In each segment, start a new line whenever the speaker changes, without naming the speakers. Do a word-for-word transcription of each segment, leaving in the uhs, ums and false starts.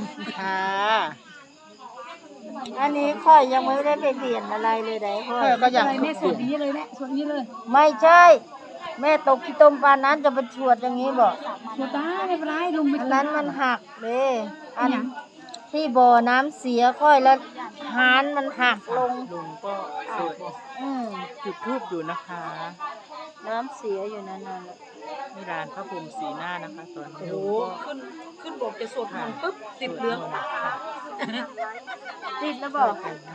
ค่ะ
อันนี้ค่อยยังไม่ได้ไปเปลี่ยนอะไรเลยได้ค่อย
ก็ยัง
แม่สวดอย่างนี้เลยแม่สวดอย่างนี้เลย
ไม่ใช่ แม่ตกขี้ต้มปลานั้นจะไปชวดอย่างนี้บอก
สวดได้ไม่เป็นไรลุงไม่
อัน
เป็
นั้น
ไร
มันหักเลยอัน
อันหยัง
ที่บ่อน้ำเสียค่อยแล้วหานมันหักลง
ลุงก็สวด
อืม
จุดธูปอยู่นะคะ
น้ำเสียอยู่นั่นน่ะ
นี่ร้านพระพรหมสีหน้านะคะตอนนี้
โอ้
ลุงก็
ขึ้นขึ้นบอกจะสวดมนต์ปุ๊บติดเหลือง
ค่ะ
ติดแล้วบอก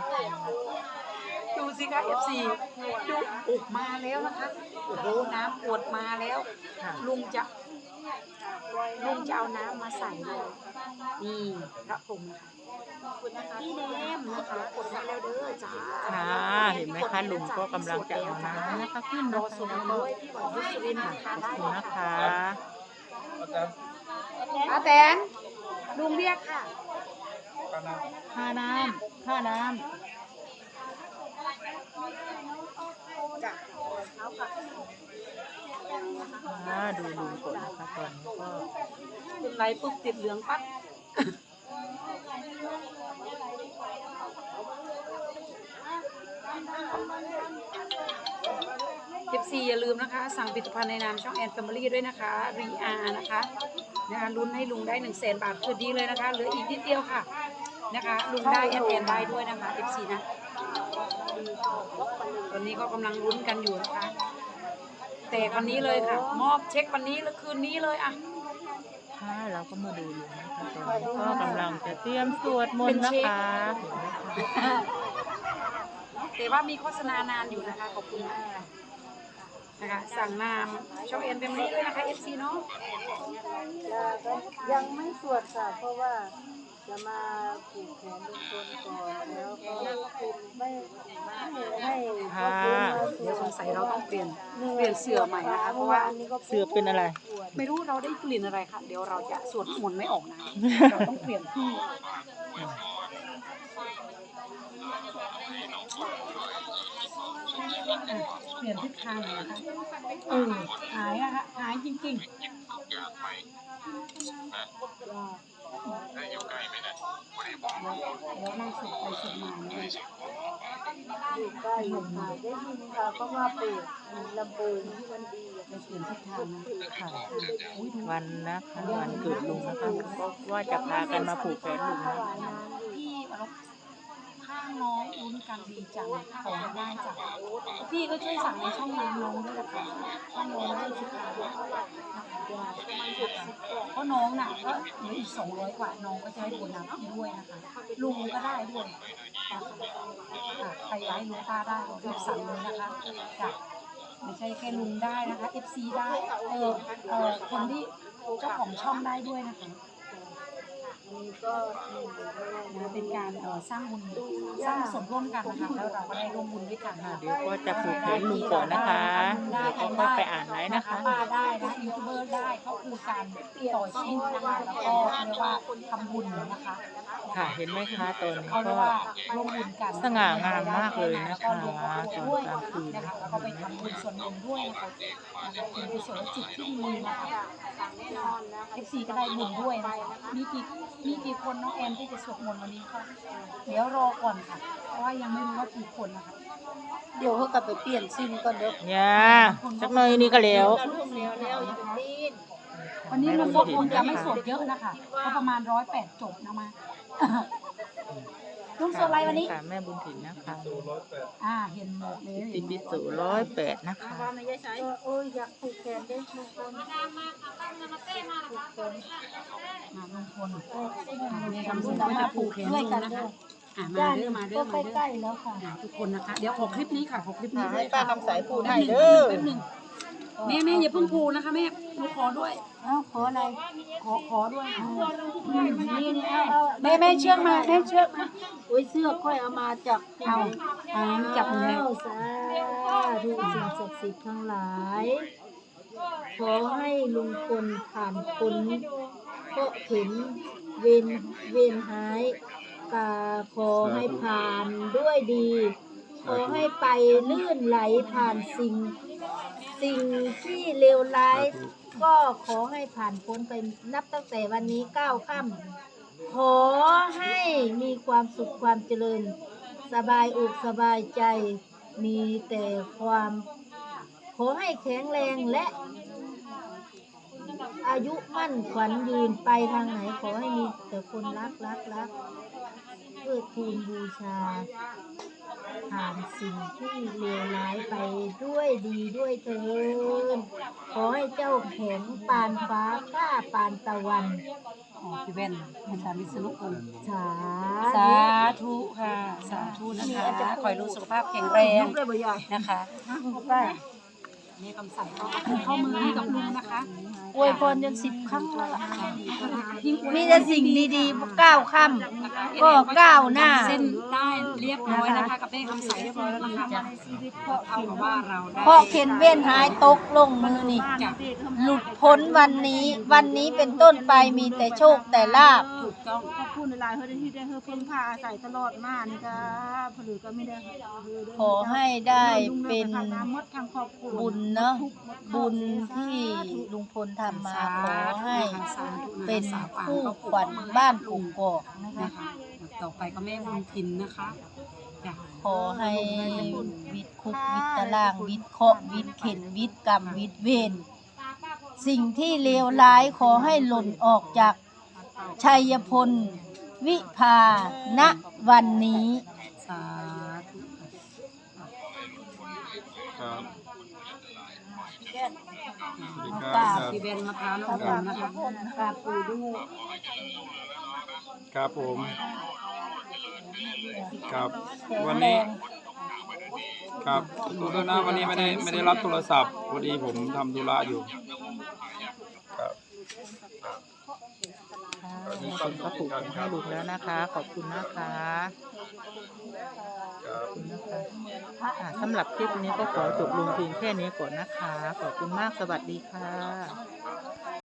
ดูสิคะ เอฟ ซี ดูอุกมาแล้วนะคะโอ้โหน้ำปวดมาแล้ว
ค่ะ
ลุงจะลุงจะเอาน้ำมาใส่เลยนี่พระพรหมนะคะพี่แนมนะคะกดมาแล้วเด้อจ้า
ค่ะเห็นไหมคะลุงก็กำลังจะเอาน้ำนะคะขึ้น
ร
นะ
อ
คะ
สวดมนต์ด้วยพี่หวังยุสุรินทร์นะ
ข
คะ
อบ
ได้
คุณนะคะ
อาแตนลุงเรียกค่ะ
ค่าน้ำค่าน้
อ่าดูลุงก่อนนะคะตอนนี้ก็
เป็นไรปุ๊บติดเหลืองปั๊บเอฟซีอย่าลืมนะคะ สั่งผลิตภัณฑ์ในนามช่องแอนแฟมิลี่ด้วยนะคะรีอาร์นะคะนะคะลุ้นให้ลุงได้หนึ่งแสนบาทคือดีเลยนะคะเหลืออีกนิดเดียวค่ะนะคะลุงได้แอนแอนได้ด้วยนะคะเอฟซีนะตอนนี้ก็กำลังลุ้นกันอยู่นะคะแต่วันนี้เลยค่ะ มอบเช็ควันนี้แล้วคืนนี้เลยอ่ะ
ค่ะเราก็มาดูลุงนะคะตอนนี้ก็กำลังจะเตรียมสวดมนต์นะคะเห็นไหมคะ
แต่ว่ามีโฆษณานานอยู่นะคะขอบคุณมากค่ะนะคะสั่งนามช่องเอ็นเป็นนี้ด้วยนะคะ เอฟ ซี เนาะ
ำยังไม่สวดค่ะเพราะว่าจะมาผูกแขนลุงพลก่อนแล้วก็ไม่ให้
ค่ะ
เดี๋ยวสงสัยเราต้องเปลี่ยนเปลี่ยนเสื้อใหม่นะคะเพราะว่า
เสือเป็นอะไร
ไม่รู้เราได้กลิ่นอะไรค่ะเดี๋ยวเราจะสวดมนต์ไม่ออกนะเราต้องเปลี่ยนที่อ่ะเปลี่ยนทิศทางหน่อยนะคะเออหายนะคะหายจริงๆ แล้วนั่งสุดไปสุดมาเนี่ย
อยู่ใกล้อยู่ค่ะได้ยินค่ะเพราะว่าเปิดลำโพงที่มันดี
ไปเปลี่ยนทิศทางนะค่ะอุ้ยดู
วันนะคะวันเกิดลุงนะคะก็ว่าจะพากันมาผูกแขนลุงนะ
พี่เราข้างน้องลุ้นกันดีจังขอให้ได้จ้ะพี่ก็ช่วยสั่งในช่องน้ำน้องด้วยนะคะช่องน้องได้สิค่ะเพราะน้องน่ะก็เหลืออีกสองร้อยกว่าน้องก็จะให้โบนัสพี่ด้วยนะคะลุงก็ได้ด้วยค่ะใครย้ายลุงป้าได้รีบสั่งเลยนะคะจ้ะไม่ใช่แค่ลุงได้นะคะ เอฟ ซี ได้เออเออคนที่เจ้าของช่องได้ด้วยนะคะนะเป็นการเอ่อสร้างบุญสร้างส่วนร่วมกันนะคะแล้วเราก็ได้ร่วมบุญด้วยกันค่ะ
เดี๋ยวก็จะผูกแขนลุงก่อนนะคะเดี๋ยวก็ค่อยไปอ่านไลน์นะคะ
ป้าได้นะยูทูบเบอร์ได้ก็คือการต่อชีวิตนะคะแล้วก็เรียกว่าทำบุญนะคะ
ค่ะเห็นไหมคะตอนนี้
เขาเรีย
ก็
กว่าร่วมบุญกัน
สง่างามมากเลยนะคะ
แล้วก็รวม
ตอน
ด้วย
กลางคืน
นะคะแล้วก็ไปทำบุญส่วนหนึ่งด้วยนะคะนะคะเป็นกุศลจิตที่ดีนะคะเอฟซีก็ได้บุญด้วยนะคะมีกี่มีกี่คนน้องแอนที่จะสวดมนต์วันนี้คะเดี๋ยวรอก่อนค่ะเพราะว่ายังไม่รู้ว่ากี่คนนะคะ
เดี๋ยวเขากลับไปเปลี่ยนซิมก่อนเด้อ
เนี่ยสักหน่อยนี่ก็แล้ว
วันนี้มันก็คงจะไม่สวดเยอะนะคะก็ประมาณร้อยแปดจบนะมาลุงสวดอะไรวันนี้
ค่ะแม่บุญถิ่นนะคะ
อ่าเห็นหมดเลย
ตินดิสุร้อยแปดนะคะ
โอ้ยอยากผูกแขนได้ทุกคนผูกแขน
มาลุงพลในคำสั่งก็จะปลูกแขนด้วยกันนะคะอ่ามาเด้อมาเด้อมา
ก็
เด้
ใกล้
อ
ๆแล้วค่ะ
ทุกคนนะคะ เดี๋ยวขอคลิปนี้ค่ะขอคลิปนี้
ให้ป้าคำสายพูดให้
แป๊บห
เด้อ
แป๊บหนึ่งแม่แม่อย่าเพิ่งพูนะคะแม่หนูขอด้วย
เอ้าขออะไร
ขอขอด้วย
อืมนี่นี่เอาเอา
แม่แม่เชือกมาแม่เชือกมา
โอ้ยเสื้อค่อยเอามาจาก
เอาอ่าจับมือ
อ้าวสาธุสิ่งศักดิ์สิทธิ์ทั้งหลาย ขอให้ลุงพลผ่านพ้นเพราะเห็นเวนเวนหายกาขอให้ผ่านด้วยดี ขอให้ไปลื่นไหลผ่านสิ่ง สิ่งที่เลวร้าย ก็ขอให้ผ่านพ้นไปนับตั้งแต่วันนี้เก้าค่ำขขอให้มีความสุขความเจริญ สบายอกสบายใจ มีแต่ความขอให้แข็งแรงและอายุมั่นขวัญยืนไปทางไหนขอให้มีแต่คนรักรักรักเพื่อทูลบูชาผ่านสิ่งที่เลวร้ายไปด้วยดีด้วยเถิดขอให้เจ้าแข็งปานฟ้าข้าปานตะวัน
อ๋อพี่เว้นอาจารย์วิษณุคุณ
สา
สาธุค่ะ สาธุนะคะขอให้ลูกสุขภาพแข็งแรง
ลูกเลยบ่ใหญ่
นะคะนี่คำสั่งก็เข้ามือให้กับลุงนะคะ
อวยพรจนสิบครั้งแล้วล่ะมีแต่สิ่งดีๆก้าวค่ำก็ก้าวหน้า
เส้นได้เรียบร้อยนะคะกับได้คำสั่งเรียบร้อยแล้วนะคะเพราะเอากับว่าเราได้
เพราะเข็นเว้นหายตกลงมือนี่
จาก
หลุดพ้นวันนี้ วันนี้เป็นต้นไปมีแต่โชคแต่ลาภ
ถูกต้อง
ขอบคุณหลายๆเฮ้ยที่ได้เฮ้ยเพิ่งพาอาศัยตลอดมานี่ก็ผลือก็ไม่ได้เฮ้ยเฮ้ยเด้
ขอให้ได้เป็น
ทางน้ำมดทางครอบครัว
บุญเนาะบุญที่ลุงพลทำมาขอให้เป็นคู่ขวัญบ้านกุ่งกอกนะคะ
นะคะต่อไปก็แม่บุญทินนะคะจ้ะ
ขอให้วิตคุกวิตตารางวิตเคราะห์วิตเข็นวิตกรรมวิตเวรสิ่งที่เลวร้ายขอให้หล่นออกจากชัยพลวิภาณวันนี้
สาธุ
ครับสวัสดีค
ก
รั
รา
บบ
พี่เบนมะพร้าวน้ำหอมนะคะ
กราบปู่ด้วย
ครับผมครับ
แข็ง
วัน
แร
นี้
ง
ครับดูด้วยนะวันนี้ไม่ได้ไม่ได้รับโทรศัพท์พอดีผมทำธุระอยู่ครับ
ค่ะมีคนก็ปลูกให้ลุงแล้วนะคะ ขอบคุณนะคะขอบคุณนะคะอ่าสำหรับคลิปนี้ก็ขอจบลงเพียงแค่นี้ก่อนนะคะ ขอบคุณมากสวัสดีค่ะ